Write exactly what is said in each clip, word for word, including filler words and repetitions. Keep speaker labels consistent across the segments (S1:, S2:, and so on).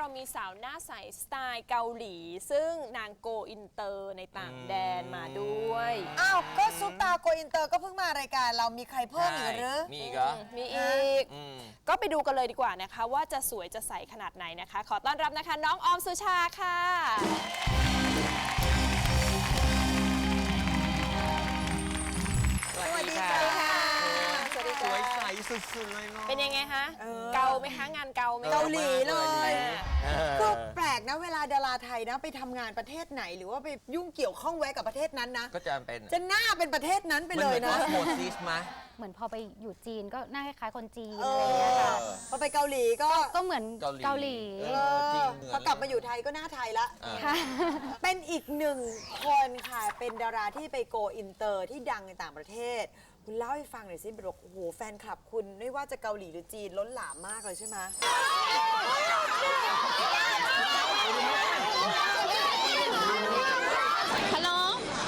S1: มีสาวหน้าใสสไตล์เกาหลี ซึ่งนางโกอินเตอร์ในต่างแดนมาด้วย
S2: อ้าวก็ซุปตาโกอินเตอร์ก็เพิ่งมารายการเรามีใครเพิ่มอีกหรือ
S3: มีอีกเหรอ
S1: มีอีกก็ไปดูกันเลยดีกว่านะคะว่าจะสวยจะใสขนาดไหนนะคะ ขอต้อนรับนะคะน้องออมสุชาค่ะ
S3: สวัสดีค่ะสวัสดีค่ะสวยใสสุดๆเลยเนาะ
S1: เป็นยังไงคะเกาไหมคะงานเกาไหม
S2: เกาหลีเลยคือแปลกนะเวลาดาราไทยนะไปทำงานประเทศไหนหรือว่าไปยุ่งเกี่ยวข้องแวะกับประเทศนั้นนะ
S3: ก็จะเป็น
S2: จะหน้าเป็นประเทศนั้นไปเลยนะ
S3: โมซิสไหม
S4: เหมือนพอไปอยู่จีนก็หน้าคล้ายๆคนจีนอะไรอย่างเงี้ยค่ะ
S2: พอไปเกาหลีก็
S4: ก็เหมือนเกาหลี
S2: พอกลับมาอยู่ไทยก็หน้าไทยละเป็นอีกหนึ่งคนค่ะเป็นดาราที่ไปโกอินเตอร์ที่ดังในต่างประเทศคุณเล่าให้ฟังหน่อยสิบอกโอ้โหแฟนคลับคุณไม่ว่าจะเกาหลีหรือจีนล้นหลามมากเลยใช่ไหม
S5: ฮัลโหล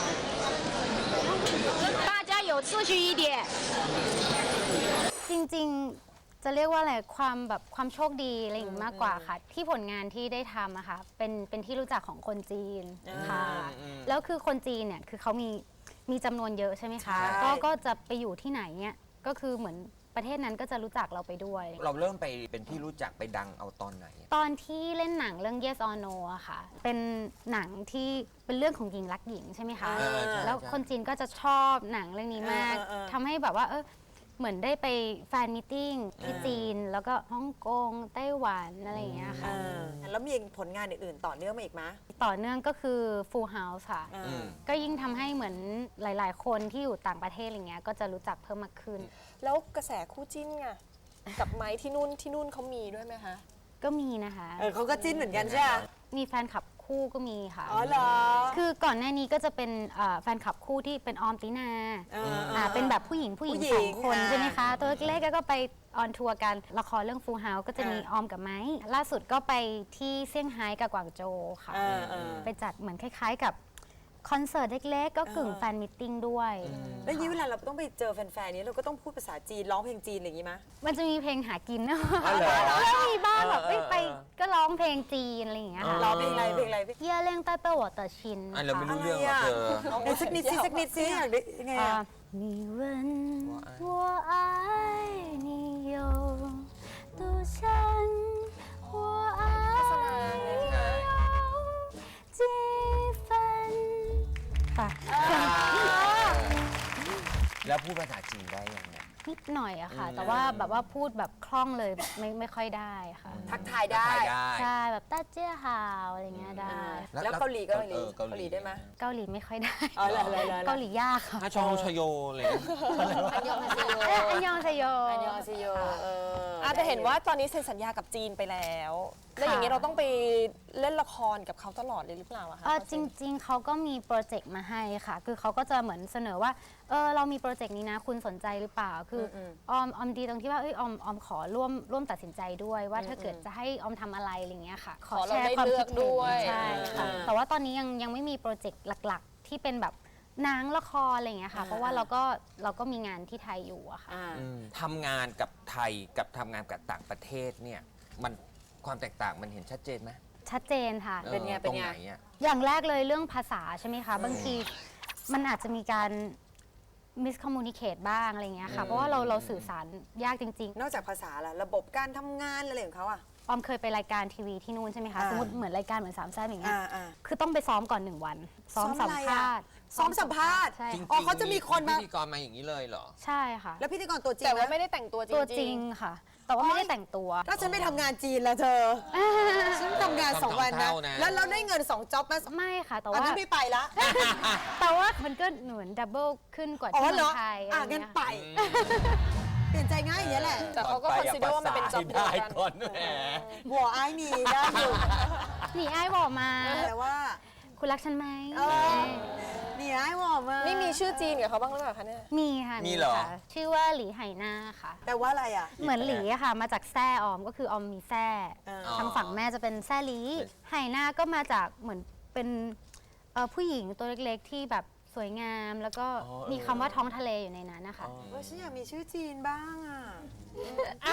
S5: 大家有秩序一点
S4: จริงๆจะเรียกว่าอะไรความแบบความโชคดีอะไรอย่างนี้มากกว่าค่ะที่ผลงานที่ได้ทำอะค่ะเป็นเป็นที่รู้จักของคนจีนค่ะแล้วคือคนจีนเนี่ยคือเขามีมีจำนวนเยอะใช่ไหมคะก็ก็จะไปอยู่ที่ไหนเนี่ยก็คือเหมือนประเทศนั้นก็จะรู้จักเราไปด้วย
S3: เราเริ่มไปเป็นที่รู้จักไปดังเอาตอนไหน
S4: ตอนที่เล่นหนังเรื่อง Yes or No อะค่ะเป็นหนังที่เป็นเรื่องของหญิงรักหญิงใช่ไหมคะแล้วคนจีนก็จะชอบหนังเรื่องนี้มากทำให้แบบว่าเออเหมือนได้ไปแฟนมิทติ้งที่จีนแล้วก็ฮ่องกงไต้หวันอะไรอย่างเงี้ยค่ะ
S2: แล้วมีผลงานอื่นๆต่อเนื่องมาอีกไหม
S4: ต่อเนื่องก็คือ Full House ค่ะก็ยิ่งทำให้เหมือนหลายๆคนที่อยู่ต่างประเทศอะไรเงี้ยก็จะรู้จักเพิ่มมากขึ้น
S1: แล้วกระแสคู่จิ้นไงกับไม้ที่นู่นที่นู่นเขามีด้วยไหมคะ
S4: ก็มีนะคะ
S2: เออเขาก็จิ้นเหมือนกันใช่ไหม
S4: มีแฟนคลับคู่ก็มีค่ะ
S2: อ๋อเหรอ
S4: คือก่อนหน้านี้ก็จะเป็นแฟนคลับคู่ที่เป็นออมตินาอ่าเป็นแบบผู้หญิงผู้หญิงสองคนใช่ไหมคะตัวเล็กๆก็ไปออนทัวร์กันละครเรื่อง Full House ก็จะมีออมกับไม้ล่าสุดก็ไปที่เซี่ยงไฮ้กับกวางโจวค่ะไปจัดเหมือนคล้ายๆกับคอนเสิร์ตเล็กๆก็กึ่งแฟนมิทติ้งด้วย
S2: แล้วนี้เวลาเราต้องไปเจอแฟนๆนี้เราก็ต้องพูดภาษาจีนร้องเพลงจีนอะไรอย่างนี้ไหม
S4: มันจะมีเพลงหากินนะแล้วมีบ้างแบบไปก็ร้องเพลงจีนอะไรอย่างเงี้ยค่ะ
S2: ร้องเพลงอะไรเพลงอะไร
S4: เย่เล่งใต้เป้าหัวเต๋อชิน
S3: อันเราไม่รู้เรื่องหรอกเธอ
S2: สักนิดสิสักนิดสิอยากได้ยังไงอ่ะ
S4: 你问我爱你有多深我爱你有几分
S3: แล้วพูดภาษาจีนได้ยังไง
S4: นิดหน่อยอะค่ะแต่ว่าแบบว่าพูดแบบคล่องเลยไม่ไม่ค่อยได้ค่ะ
S2: ทักทายได้
S4: ใช่แบบต้าเจี้ยฮาวอะไรเงี้ยได้
S2: แล้วเกาหลีเกาหลีเกาหลีได้ไหม
S4: เกาหลีไม่ค่อยได้
S2: เก
S4: าหลียากค่ะ
S3: ชองชโยเลย
S1: อันยองฮาเซโย
S4: อันยองฮาเซโย
S2: อันยองฮาเซโย
S1: อาจจะเห็นว่าตอนนี้เซ็นสัญญากับจีนไปแล้วแล้วอย่างนี้เราต้องไปเล่นละครกับเขาตลอดเลยหรือเปล่าอะคะ
S4: จริงๆเขาก็มีโปรเจกต์มาให้ค่ะคือเขาก็จะเหมือนเสนอว่าเออเรามีโปรเจกต์นี้นะคุณสนใจหรือเปล่าคือออมออมดีตรงที่ว่าเอ้ยออมออมขอร่วมร่วมตัดสินใจด้วยว่าถ้าเกิดจะให้ออมทำอะไรอะไรเงี้ยค่ะ
S1: ขอแชร์ความคิดด้วย
S4: ใช่ค่ะแต่ว่าตอนนี้ยังยังไม่มีโปรเจกต์หลักๆที่เป็นแบบหนังละครอะไรเงี้ยค่ะเพราะว่าเราก็เราก็มีงานที่ไทยอยู่อะค่ะ
S3: ทำงานกับไทยกับทำงานกับต่างประเทศเนี่ยมันความแตกต่างมันเห็นชัดเจนไหม
S4: ชัดเจนค่ะ
S2: เป็นไงเป็นไง
S4: อย่างแรกเลยเรื่องภาษาใช่ไหมคะบางทีมันอาจจะมีการมิสคอมมูนิเคตบ้างอะไรเงี้ยค่ะเพราะว่าเราเราสื่อสารยากจริง
S2: ๆนอกจากภาษาล่ะระบบการทำงานอะไรของเขาอะ
S4: ออมเคยไปรายการทีวีที่นู่นใช่ไหมคะสมมติเหมือนรายการเหมือนสามแซ่บอย่างเงี้ยคือต้องไปซ้อมก่อนหนึ่งวันซ้อมสัมภาษณ์
S2: ซ้อมสัมภาษณ์
S3: อ๋อ
S2: เขาจะมีคนมา
S3: พิธีกรมาอย่างนี้เลยเหรอ
S4: ใช่ค่ะ
S2: แล้วพิธีกรตัวจริง
S1: แต่ว่าไม่ได้แต่งตัวจริง
S4: ตัวจริงค่ะแต่ว่าไม่ได้แต่งตัว
S2: ถ้าฉันไม่ทำงานจีนแล้วเธอฉันทำงานสองวันนะแล้วเราได้เงินสองจ็อบไหม
S4: ไม่ค่ะแต่ว่า
S2: ไม่ไปละ
S4: แต่ว่ามันก็เหมือนดับเบิลขึ้นกว่าที่เมืองไทย
S2: อ่ะงั้นไปเปลี่ยนใจง่ายอย่างนี้แหละ
S1: แต่เขาก็คอนซิเดอร์ว่ามันเป็นจ็อบเดียวกัน
S2: หัวไอ้หนีได้อยู่
S4: หนีไอ้บอกมา
S2: แต่ว่า
S4: คุณรักฉันไหม
S2: หนีไอ้บอกมา
S1: นี่มีชื่อจีนกับเขาบ้างหรือเปล่าคะเนี่ย
S4: มีค่ะ
S3: มีเหรอ
S4: ชื่อว่าหลีไหหน้าค่ะ
S2: แต่ว่าอะไรอ่ะ
S4: เหมือนหลีค่ะมาจากแซ่ออมก็คือออมมีแซ่ทางฝั่งแม่จะเป็นแซ่หลีไหหน้าก็มาจากเหมือนเป็นผู้หญิงตัวเล็กๆที่แบบสวยงามแล้วก็มีคำว่าท้องทะเลอยู่ในนั้นนะคะ
S2: ว่าฉันอยากมีชื่อจีนบ้างอ่ะ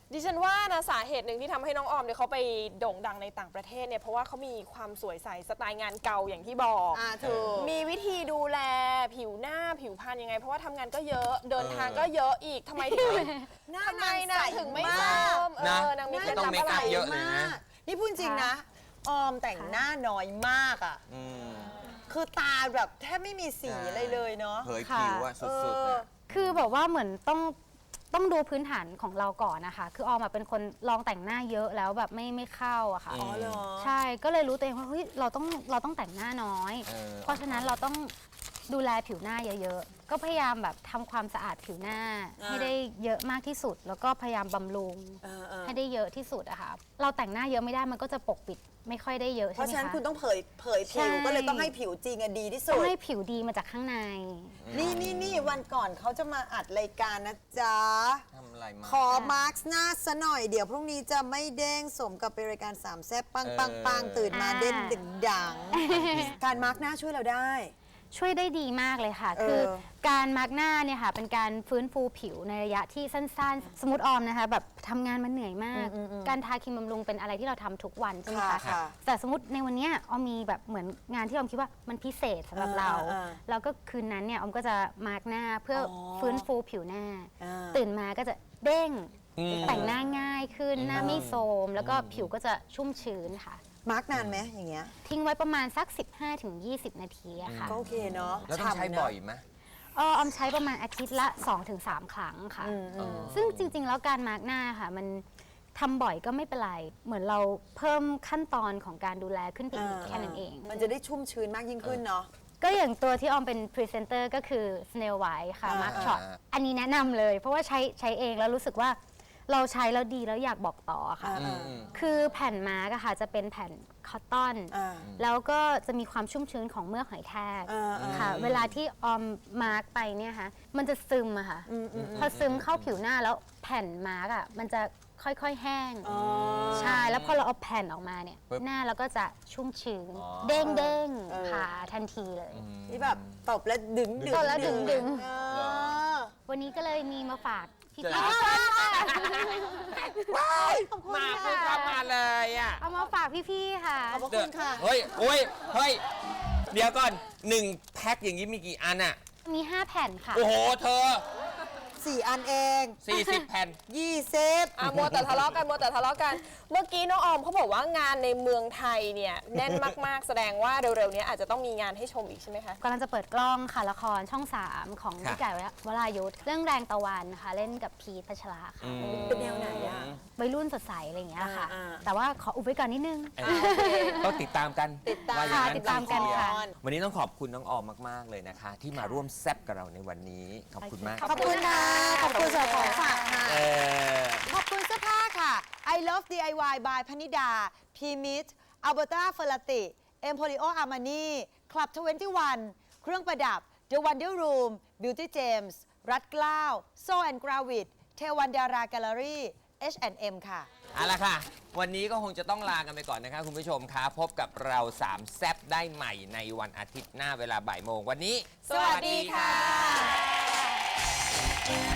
S1: ดิฉันว่านะสาเหตุหนึ่งที่ทำให้น้องออมเนี่ยเขาไปโด่งดังในต่างประเทศเนี่ยเพราะว่าเขามีความสวยใสสไตล์งานเก่าอย่างที่บอก
S2: อ่าถูก
S1: มีวิธีดูแลผิวหน้าผิวพรรณยังไง เพราะว่าทำงานก็เยอะเดินทางก็เยอะอีกทำไมถึง
S2: หน้า
S1: ทำไม
S2: นาง
S1: นะ
S2: ใส
S1: ถึงไม่
S2: มาก
S1: เติมเอ
S3: นะ
S1: อนางมีเคล็ด
S3: ต้
S1: ลั
S3: อง
S1: บ
S3: เมค
S1: อะไร
S3: อัพเยอะเลยนะ
S2: นี่พูดจริงนะ ออมแต่งหน้าน้อยมากอ่ะ
S3: อืม
S2: คือตาแบบแทบไม่มีสีอะไรเลยเนาะ
S3: เผยผิวอะสุดๆอะ
S4: คือแบบว่าเหมือนต้องต้องดูพื้นฐานของเราก่อนนะคะ คือออมอะเป็นคนลองแต่งหน้าเยอะแล้วแบบไม่ไม่เข้าอะค่ะ
S2: อ๋อเหรอ
S4: ใช่ก็เลยรู้ตัวเองว่าเฮ้ยเราต้องเราต้องแต่งหน้าน้อย
S3: เออ
S4: เพราะฉะนั้นเราต้องดูแลผิวหน้าเยอะๆ ก็พยายามแบบทำความสะอาดผิวหน้า
S2: อ่า
S4: ให้ได้เยอะมากที่สุด แล้วก็พยายามบำรุง
S2: เออเออ
S4: ให้ได้เยอะที่สุดอะค่ะเราแต่งหน้าเยอะไม่ได้มันก็จะปกปิดไม่ค่อยได้เยอะ
S2: เพ
S4: ใช่
S2: ราะ
S4: ไหม
S2: ฉะนั้น
S4: คะ
S2: คุณต้องเผยเผย
S4: ใช่
S2: ผิวก็เลยต้องให้ผิวจริงอะดีที่สุ
S4: ต้อ
S2: ด
S4: งให้ผิวดีมาจากข้างใน
S2: นี่นี่นี่วันก่อนเขาจะมาอัดรายการนะจ๊ะ
S3: ทำอะไรมา
S2: ขอมาร์คหน้าซะหน่อยเดี๋ยวพรุ่งนี้จะไม่เด้งสมกับเป็นรายการสามแซ่บปังปังปังตื่นมา
S4: อ่า
S2: เด่นดึงดัง การมาร์คหน้าช่วยเราได้
S4: ช่วยได้ดีมากเลยค่ะ
S2: เออ
S4: คือการมาร์กหน้าเนี่ยค่ะเป็นการฟื้นฟูผิวในระยะที่สั้นๆ สมมติออมนะคะแบบทำงานมันเหนื่อยมาก การทาครีมบำรุงเป็นอะไรที่เราทำทุกวันใช่ไหม
S2: ค่ะ
S4: คะ
S2: ค่ะ
S4: แต่สมมติในวันเนี้ยออมมีแบบเหมือนงานที่ออมคิดว่ามันพิเศษสำหรับเรา
S2: อ่าอ่า
S4: แล้วก็คืนนั้นเนี่ยออมก็จะมาร์กหน้าเพื่ออ
S2: อ
S4: ฟื้นฟูผิวหน้า
S2: อ่า
S4: ตื่นมาก็จะเด้ง
S3: อืม
S4: แต่งหน้าง่ายขึ้นหน้าไม่โทรมแล้วก็ผิวก็จะชุ่มชื้นค่ะ
S2: มาร์กนานไหมอย่างเงี้ย
S4: ทิ้งไว้ประมาณสัก สิบห้าถึงยี่สิบ นาทีอะค่ะ
S2: ก็โอเคเนาะ
S3: แล้วต้องใช้
S2: ฉ่ำนะ
S3: บ่อยไหม
S4: เออออมใช้ประมาณอาทิตย์ละ สองถึงสาม ครั้งค่ะ
S2: อืมอืม
S4: ซึ่งจริง ๆ แล้วการมาร์กหน้าค่ะ มันทำบ่อยก็ไม่เป็นไร เหมือนเราเพิ่มขั้นตอนของการดูแลขึ้นไปอีก
S2: อ่า
S4: แค่นั้นเอง
S2: มันจะได้ชุ่มชื้นมากยิ่งขึ้นเนาะ
S4: ก็อย่างตัวที่ออมเป็นพรีเซนเตอร์ก็คือ Snail White ค่ะ
S2: อ่า
S4: มาร์กช็อตอันนี้แนะนำเลย เพราะว่าใช้ใช้เองแล้วรู้สึกว่าเราใช้แล้วดีแล้วอยากบอกต่อค่ะ
S2: อ่า
S3: อืมอืม
S4: คือแผ่นมาร์กอะค่ะจะเป็นแผ่นคอตตอน
S2: อ่า
S4: แล้วก็จะมีความชุ่มชื้นของเมือกหอยแทรก
S2: อ่าอ่า
S4: ค่ะ เวลาที่ออมมาร์กไปเนี่ยค่ะมันจะซึมอะค่ะ พอซึมเข้าผิวหน้าแล้วแผ่นมาร์กอะมันจะค่อยๆแห้ง
S2: อ๋อ
S4: ใช่ แล้วพอเราเอาแผ่นออกมาเนี่ย
S3: ปึ๊บ
S4: หน้าเราก็จะชุ่มชื้น
S3: อ๋อ
S4: เด้งเด้ง
S2: เออ
S4: ค่ะทันทีเลย
S2: ที่แบบตบแล้วดึงดึง
S4: ตบแล้วดึงดึง
S2: เออ
S4: วันนี้ก็เลยมีมาฝากพี่
S3: จะ
S4: ๆ
S3: มาเพิ่งเข้ามาเลยอ่ะ
S4: เอามาฝากพี่ๆค่ะ
S2: ขอบพระคุณค่ะ
S3: เฮ้ยโอ้ยเฮ้ย เดี๋ยวก่อนหนึ่งแพ็คอย่างนี้มีกี่อันอ่ะ
S4: มี ห้า แผ่นค่ะ
S3: โอ้โห เธอ
S2: สี่อันเอง
S3: สี่สิบแผ่น
S2: ยี่สิบ
S1: อ่ะมัวแต่ทะเลาะกันมัวแต่ทะเลาะกัน เมื่อกี้น้องออมเขาบอกว่างานในเมืองไทยเนี่ยแน่นมากๆ แสดงว่าเร็วๆนี้อาจจะต้องมีงานให้ชมอีกใช่ไหมคะ
S4: กำลังจะเปิดกล้องค่ะ ละครช่อง สาม ของ
S3: ค่ะ
S4: พี่ไก่วรายุทธเรื่องแรงตะวันนะคะ เล่นกับพีทพัชราค่ะ
S2: เป็นแนวไหนอะ
S4: วัยรุ่นสดใสอะไรอย่างเงี้ยค่ะ
S2: อ่าๆ
S4: แต่ว่าขออุบไว้ก่อนนิดนึง
S3: ต้องติดตามกัน
S2: ติดตาม
S3: ว่อย่ง
S4: ติดตามกันค่ะ
S3: วันนี้ต้องขอบคุณน้องออมมาก ๆ เลยนะคะ ที่มาร่วมแซบกับเราในวันนี้ ขอบคุณมาก
S2: ขอบคุณค่ะ ขอบคุณสำหรับของฝากค่ะ
S3: เออ
S2: ขอบคุณเสื้อผ้าค่ะ I Love ดี ไอ วาย by พนิดา P M I T Alberta Ferrati Emporio Armani Club ทเวนตี้วัน เครื่องประดับ The Wonder Room Beauty James รัดเกล้า So and Gravit เทวันดาราแกลเลอรี่ เอช แอนด์ เอ็ม ค่ะ
S3: เอาละค่ะ วันนี้ก็คงจะต้องลากันไปก่อนนะคะคุณผู้ชมคะพบกับเราสามแซบได้ใหม่ในวันอาทิตย์หน้าเวลาบ่ายโมงวันนี้
S1: สวัสดีค่ะ